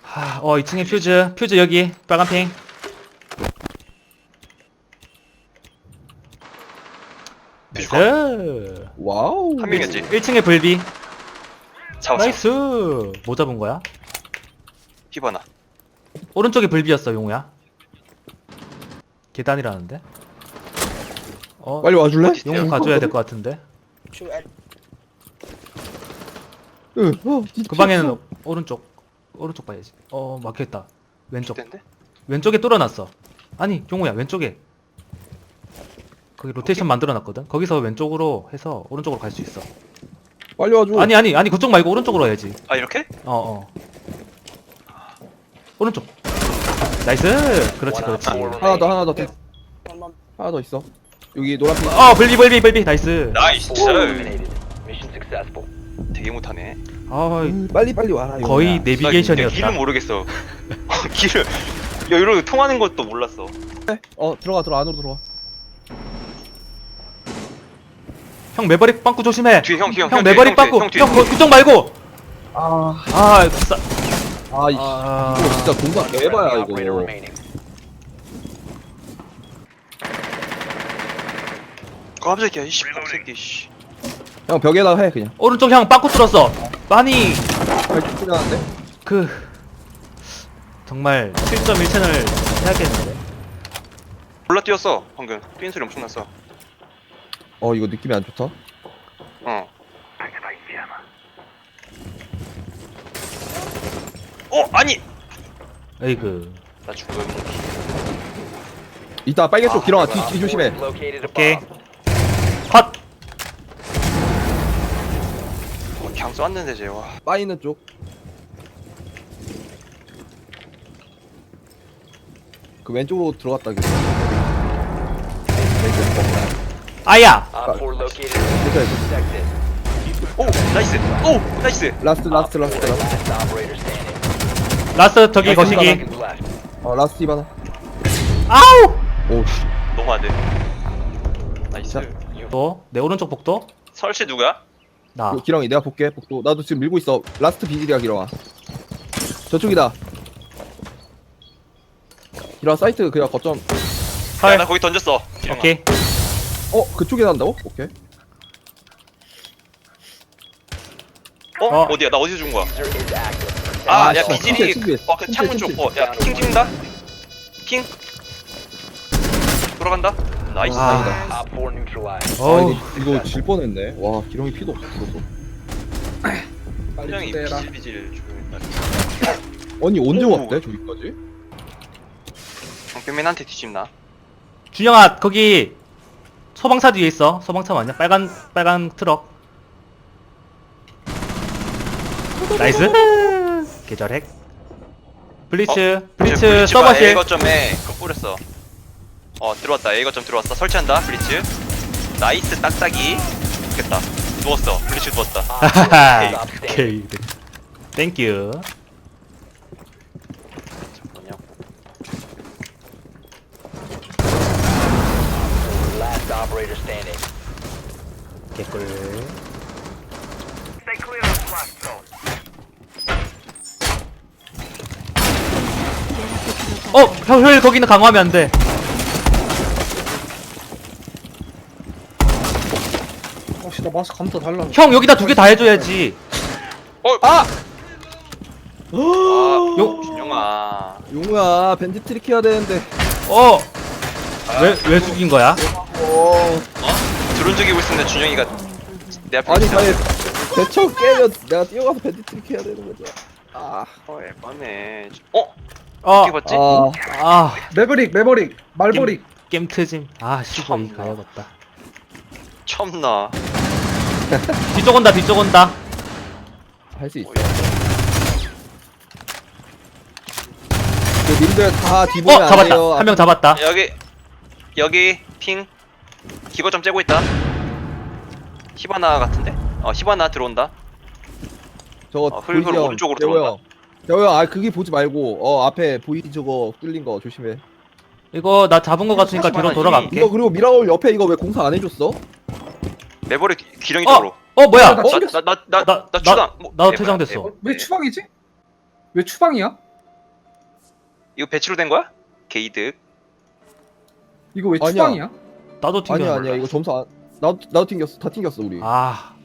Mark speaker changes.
Speaker 1: 어 2층에 퓨즈 여기 빨간 핑. 나이스.
Speaker 2: 와우.
Speaker 3: 한 명이었지.
Speaker 1: 1층에 불비.
Speaker 3: 잡았어.
Speaker 1: 나이스. 뭐 잡은 거야?
Speaker 3: 히바나.
Speaker 1: 오른쪽에 불비였어 용우야. 계단이라는데? 어
Speaker 2: 빨리 와줄래?
Speaker 3: 어디 있어요?
Speaker 1: 용우 가줘야 될 것 같은데.
Speaker 2: 응.
Speaker 1: 그 방에는 오른쪽 봐야지. 막혀있다. 왼쪽.
Speaker 3: 텐데?
Speaker 1: 왼쪽에 뚫어놨어. 아니 용우야 왼쪽에. 거기 로테이션 만들어놨거든. 거기서 왼쪽으로 해서 오른쪽으로 갈 수 있어.
Speaker 2: 빨리 와줘.
Speaker 1: 아니 그쪽 말고 오른쪽으로 해야지.
Speaker 3: 아 이렇게?
Speaker 1: 오른쪽. 나이스. 그렇지.
Speaker 2: 하나 더. 하나 더 있어. 여기 노란빛.
Speaker 1: 불비. 나이스.
Speaker 3: 나이스. 되게 못하네.
Speaker 2: 빨리 와라.
Speaker 1: 거의
Speaker 3: 나
Speaker 1: 내비게이션이었다.
Speaker 3: 길은 모르겠어. 길을 이러고 통하는 것도 몰랐어.
Speaker 2: 들어가 안으로 들어와.
Speaker 1: 형 매버릭 빵꾸 조심해.
Speaker 3: 뒤에 형
Speaker 1: 형 매버릭 빵꾸.
Speaker 3: 형 뒤에.
Speaker 1: 형 그쪽 말고.
Speaker 2: 아,
Speaker 1: 싸.
Speaker 2: 이거 진짜 공간 개봐야 이거.
Speaker 3: 깜짝이야 이씨 새끼 씨.
Speaker 2: 형 벽에다 해 그냥.
Speaker 1: 오른쪽 형 빵꾸 뚫었어. 많이
Speaker 2: 발톱 나는데?
Speaker 1: 정말 7.1채널 해야겠는데.
Speaker 3: 몰라 뛰었어 방금. 뛰는 소리 엄청 났어.
Speaker 2: 이거 느낌이 안 좋다.
Speaker 3: 아니.
Speaker 1: 에이그.
Speaker 3: 나 죽음.
Speaker 2: 이따 빨개 쪽 길어가. 뒤 조심해.
Speaker 1: 오케이. 컷.
Speaker 3: 그냥 쐈는데 쟤 와.
Speaker 2: 빠이는 쪽. 그 왼쪽으로 들어갔다 그래.
Speaker 1: 아야.
Speaker 2: 괜찮아.
Speaker 3: 오 나이스. 오 나이스.
Speaker 2: 라스트.
Speaker 1: 라스 저기 거시기.
Speaker 2: 라스트 이바나.
Speaker 1: 아우.
Speaker 2: 오 씨.
Speaker 3: 너무 안 돼. 나이스.
Speaker 1: 또 내 오른쪽 복도.
Speaker 3: 설치 누구야?
Speaker 1: 나.
Speaker 2: 기렁이 내가 볼게. 복도. 나도 지금 밀고 있어. 라스트 비질이야 기렁아. 저쪽이다. 기렁아 사이트 그냥 거점.
Speaker 3: 야, 나 거기 던졌어. 기령아.
Speaker 1: 오케이.
Speaker 2: 그쪽에 난다고? 오케이.
Speaker 3: 어디야? 나 어디서 준 거야? 야
Speaker 2: 씨,
Speaker 3: 비질이.
Speaker 2: 침대.
Speaker 3: 그 창문 쪽. 야 킹 찍는다. 킹. 돌아간다. 나이스.
Speaker 1: 아.
Speaker 2: 아 이거 질 뻔했네. 와 기렁이 피도 없어.
Speaker 3: 분명히 비질 죽였다.
Speaker 2: 아니 언제
Speaker 3: 오.
Speaker 2: 왔대 저기까지?
Speaker 3: 경편맨한테 뒤집나?
Speaker 1: 준영아 거기 소방차 뒤에 있어. 소방차 맞냐? 빨간 트럭. 나이스. 계절 핵. 블리츠 서버실.
Speaker 3: A 거점에 그거 뿌렸어. 들어왔다. A 거점 들어왔어. 설치한다. 블리츠. 나이스 딱딱이. 좋겠다. 누웠어. 블리츠 누웠다.
Speaker 1: 하하. 오케이. 땡큐.
Speaker 3: 잠깐만요.
Speaker 1: 개꿀. 형 거기는 강화하면 안 돼.
Speaker 4: 혹시 나 마스크 감도 달라.
Speaker 1: 형 여기다 2개 다 해줘야지.
Speaker 3: 준영아.
Speaker 2: 용우야 밴드 트릭 해야 되는데.
Speaker 1: 왜 죽인 거야?
Speaker 3: 드론 죽이고 있었는데 준영이가 내 앞에
Speaker 2: 아니
Speaker 3: 있어.
Speaker 2: 만약 대처 깨면 내가 뛰어가서 밴드 트릭 해야 되는 거죠.
Speaker 3: 예쁘네.
Speaker 1: 어,
Speaker 3: 어떻게 봤지?
Speaker 4: 매버릭, 말버릭.
Speaker 1: 게임 트짐. 씨발 이
Speaker 3: 참나.
Speaker 1: 가야겠다.
Speaker 3: 참나.
Speaker 1: 뒤쪽 온다.
Speaker 2: 할 수 있어. 그 님들 다 뒤보면 안
Speaker 1: 잡았다.
Speaker 2: 돼요.
Speaker 1: 한 명 잡았다.
Speaker 3: 여기 핑 기거점 째고 있다. 히바나 같은데? 히바나 들어온다.
Speaker 2: 저거
Speaker 3: 흙으로
Speaker 2: 보이지 형?
Speaker 3: 오른쪽으로
Speaker 2: 대호
Speaker 3: 들어온다.
Speaker 2: 형. 대호 형, 그게 보지 말고 앞에 보이지 저거 뚫린 거 조심해.
Speaker 1: 이거 나 잡은 거 같으니까 뒤로 돌아갈게.
Speaker 2: 이거 그리고 미라올 옆에 이거 왜 공사 안 해줬어?
Speaker 3: 매버리 기령이 쪽으로.
Speaker 1: 뭐야?
Speaker 4: 나
Speaker 3: 나 추당.
Speaker 1: 나도 퇴장됐어.
Speaker 4: 왜 추방이지? 왜 추방이야?
Speaker 3: 이거 배치로 된 거야? 게이득.
Speaker 4: 이거 왜
Speaker 2: 아니야.
Speaker 4: 추방이야?
Speaker 1: 나도 튕겨.
Speaker 2: 아니야 이거 점수 안 나도 튕겼어 다 튕겼어 우리.
Speaker 1: 아